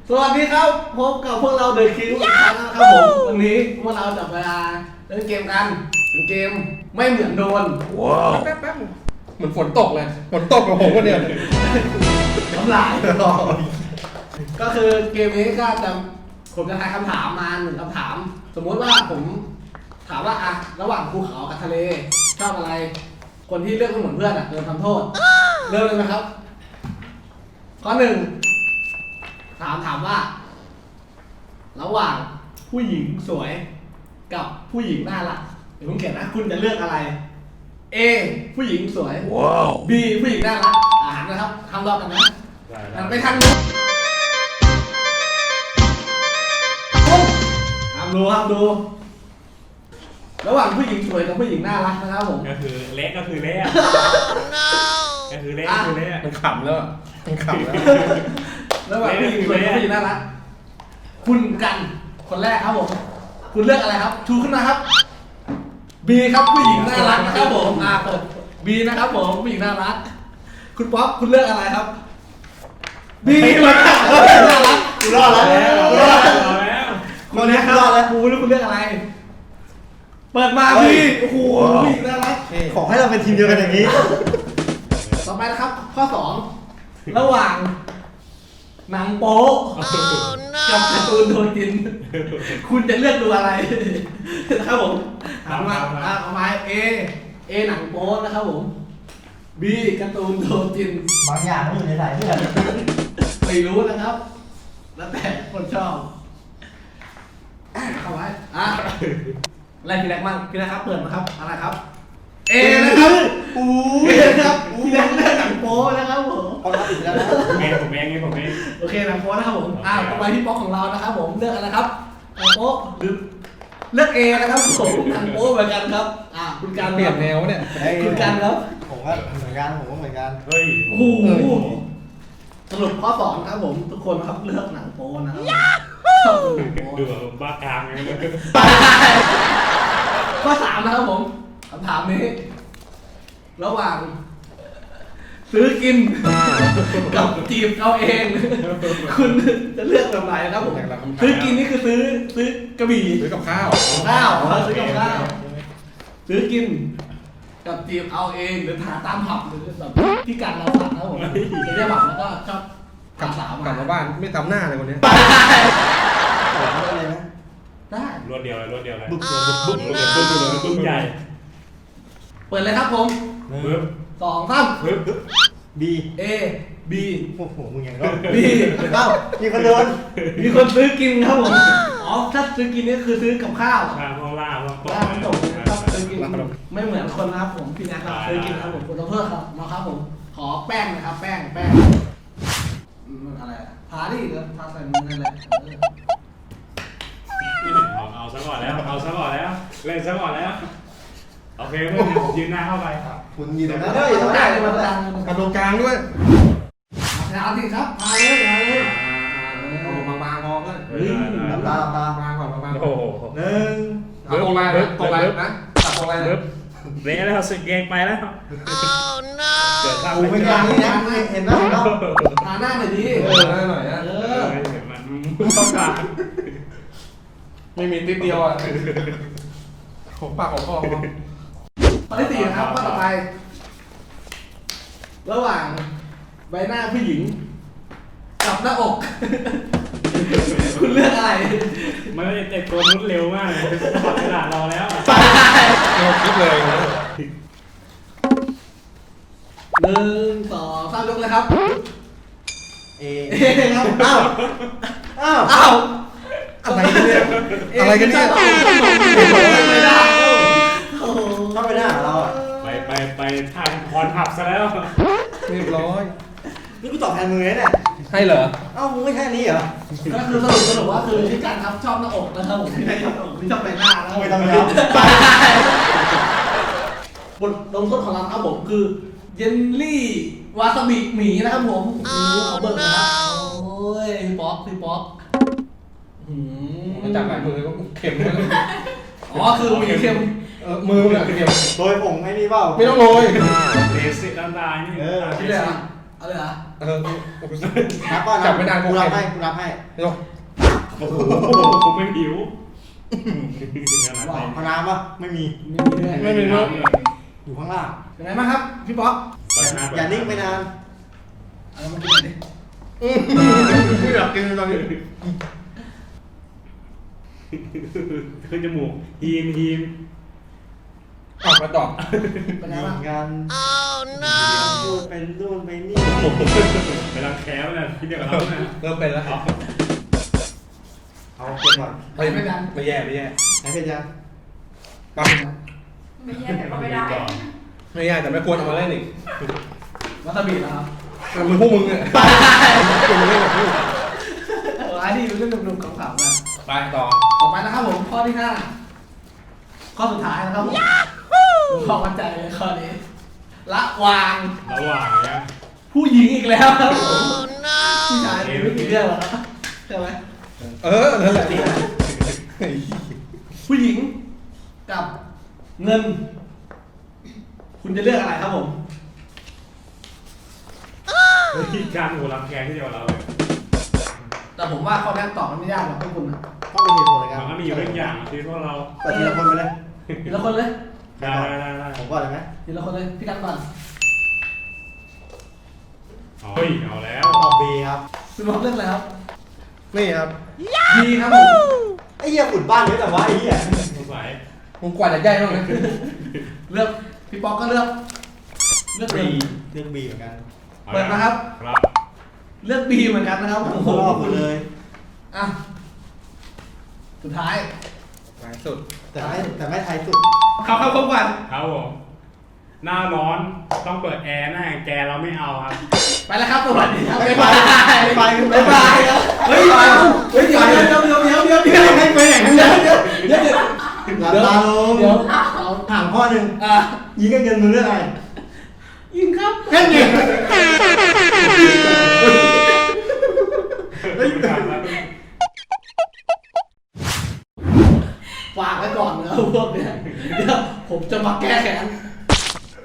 สวัสดีครับพบกับพวกเราเดอะคิงอีกครั้งนะครับผมวันนี้พวกเราจะมาเล่นเกมกันเป็นเกมไม่เหมือนโดนว้าวแป๊บเหมือนฝนตกเลยฝนตกกับผมวันเดียวน้ำลายก็คือเกมนี้ก็จะผมจะทายคำถามมา1คำถามสมมติว่าผมถามว่าอะระหว่างภูเขากับทะเลชอบอะไรคนที่เลือกไม่เหมือนเพื่อนโดนทำโทษเริ่มเลยไหมครับข้อ1ถามว่าระหว่างผู้หญิงสวยกับผู้หญิงน่ารักเดี๋ยวผมเขียนนะคุณจะเลือกอะไร A ผู้หญิงสวย B ผู้หญิงน่ารักหันนะครับทำรอบกันนะหันไปทางนู้นห้ามดูระหว่างผู้หญิงสวยกับผู้หญิงน่ารักนะครับผมก็คือเละก็คือเละก็คือเละมันขำแล้วมันขำแล้วระหว่างผู้หญิงสวยกับผู้หญิงน่ารักคุณกันคนแรกครับผมคุณเลือกอะไรครับชูขึ้นมาครับ B ครับผู้หญิงน่ารักนะครับผมเปิด B นะครับผมผู้หญิงน่ารักคุณป๊อปคุณเลือกอะไรครับ B เหมือนกันน่ารักกูรอดแล้วคนนี้ครับคุณเลือกอะไรเปิดมาพี่โอ้โหผู้หญิงน่ารักขอให้เราเป็นทีมเดียวกันอย่างนี้ต่อไปนะครับข้อ2ระหว่างหนังโป๊กับการ์ตูนโดนกินคุณจะเลือกดูอะไรนะครับผมถามมาเอามาA หนังโป๊นะครับผม B การ์ตูนโดนกินบางอย่างมันอยู่ในสายเลือดไม่รู้นะครับ แล้วแต่คนชอบเข้าไว้อะไรพี่แรกมั่งพี่แรกครับเปิดมาครับอะไรครับเอนะครับครับพี่แรกเลือกหนังโป๊นะครับผมเอาละติดแล้วนะผมเองโอเคหนังโป๊นะครับผมต่อไปที่ป๊อกของเรานะครับผมเลือกอะไรครับหนังโป๊หรือเลือกเอนะครับผมหนังโป๊เหมือนกันครับคุณการเปลี่ยนแนวเนี่ยคุณการครับผมก็เหมือนกันเฮ้ยโอ้โหสรุปข้อ2ครับผมทุกคนครับเลือกหนังโป๊นะครับชอบหนังโป๊ดูแบบบ้ากามเลยข้อ3นะครับผมคำถามนี้ระหว่างซื้อกินกับจีบเอาเองคุณจะเลือกแบบไหนครับผมซื้อกินนี่คือซื้อกระบี่ซื้อกับข้าวซื้อกับข้าวซื้อกินกับจีบเอาเองหรือหาตามผับหรือแบบที่การเราผับนะครับผมไปเรียกผับแล้วก็ชอบกลับมาบ้านไม่ทำหน้าเลยวันนี้ได้รวดเดียวเลยบึ้งใหญ่เปิดเลยครับผม2 3 B A B โอ้โหมึงยังก็ B มีคนโดนมีคนซื้อกินครับผมถ้าซื้อกินนี่คือซื้อกับข้าวพวกล่าพวกตกครับซื้อกินไม่เหมือนคนนะครับผมพี่นะครับซื้อกินครับผมคุณต้องเพิ่มครับนะครับผมขอแป้งนะครับแป้งอะไรทาดิทาใส่มือนั่นแหละเอาซะก่อนแล้วเล่นซะก่อนแล้วโอเคเพื่อนผมยืนหน้าเข้าไปครับคุณยืนตรงนั้นได้ต้องได้เลยมาดังกับตรงกลางด้วยเอาสิครับมาเลยบางพอเพื่อนตาบางโอ้โหตรงไรนะตรงไรนะเละแล้วสึกเกงไปแล้วเกิดข้าวไม่กลางนี่นะเห็นไหมเราทาหน้าหน่อยดิหน้าหน่อยนะมันต้องการไม่มีติ๊บเดียวของปากของคอข้อที่4นะครับข้อต่อไประหว่างใบหน้าผู้หญิงกับหน้าอกคุณเลือกอะไรมันจะเจ็บตัวนุ้นเร็วมากเลยขอเวลารอแล้วเราคิดเลย 1 2 3ยกเลยครับเอครับอ้าวอะไรกันเนี่ยไม่ได้เข้าไปหน้าเราไปทางคอนหับซะแล้วเรียบร้อยนี่กูตอบแทนมึงเลยเนี่ยให้เหรอเอ้ามึงไม่ใช่นี้เหรอก็คือสรุปว่าคือที่การทับชอบหน้าอกนะครับผมไม่ชอบอกไม่ชอบใบหน้าแล้วไม่ต้องยับบทลงโทษของเราครับผมคือเยลลี่วาซาบิหมีนะครับผมขอเบิร์นะครับโอ้ยพี่ป๊อกมันจับหลายมือก็เข็มเลยคือมีเข็มมือมันเข็มโรยผงให้นี่เปล่าไม่ต้องโรยเลสิน้ำตาลนี่ที่เหลือเอาเลยเหรอนับก่อนจับไม่นานกูรับให้กูรับให้เร็วโอ้โหผมไม่หิวบอกพน้ำปะไม่มีไม่มีด้วยไม่มีเนอะอยู่ข้างล่างเป็นไงบ้างครับพี่ป๊อกอย่านิ่งไปนานเอามากินหน่อยดิไม่อยากกินตอนนี้ขึ้นจมูกฮีมอ่ะมาตอบเป็นไงเหมืบ้าอง นกันพูดเป็นนู่นไปนี่ไปรังแคมนะพี่เดียวกับเรานะเริ่มเป็นแล้วเอาเอาเก็บก่อนไม่แย่ไม่แย่ไหนเพชรยังปั๊บไม่แย่แต่ก็ไม่ได้ก่อนไม่แย่แต่ไม่ควรเอามาเล่นอีกวาซาบินะครับมันเป็นพวกมึงเนี่ยควรมาเล่นกับพวกอันนี้เป็นเรื่องหนุ่มๆขำๆกันไปต่อต่อไปนะครับผมข้อที่ 5 ข้อสุดท้ายนะครับผมผมพอมั่นใจเลยข้อนี้ระวางระหว่างเนี้ยผู้หญิงอีกแล้วครับผมผู้ชายไม่กี่เรื่องหรอกครับใช่ไหมนั่นแหละผู้หญิงกับเงิน คุณจะเลือกอะไรครับผมที่การหัวรังแคที่เดียวกับเราเลยแต่ผมว่าข้อนี้ตอบมันไม่ยากหรอกพวกคุณนะต้องเป็นเหตุผลอะไรกันมันก็มีอยู่เรื่องอย่างที่พวกเราเปิดทีละคนไปเลยทีละคนเลยได้ผมก่อนเลยไหมทีละคนเลยพี่กันก่อนเฮ้ยเอาแล้วตอบบีครับคุณบอกเลือกอะไรครับนี่ครับดีครับผมไอ้เหี้ยฝุ่นบ้านเยอะแต่ว่าไอ้เหี้ยสงสัยมึงกว่าจะใหญ่บ้างนะเลือกพี่ป๊อกก็เลือกเงินเรื่องบีเหมือนกันเอาเปิดนะครับครับเลือกบีเหมือนกันนะครับโอ้โอ้โหโหรอบหมดเลยอ่ะสุดท้ายหลายสุดแต่ไม่ไทยสุดเข้าพบกันครับผมหน้าร้อนต้องเปิดแอร์หน้าแกเราไม่เอาครับไปแล้วครับสวัสดีครับไปบ๊ายไปบายไปบ๊ายบายครับเฮ้ยเฮ้ยเดี๋ยวให้ไปไหนเดี๋ยวหลับตาลงเดี๋ยวเอาถามข้อหนึ่งอ่ะยิงกันเงินมึงเรื่องอะไรยิงครับแค่นี้เฮ้ยการแล้วฝากไว้ก่อนนะพวกเนี้ยเดี๋ยวผมจะมาแก้แค้น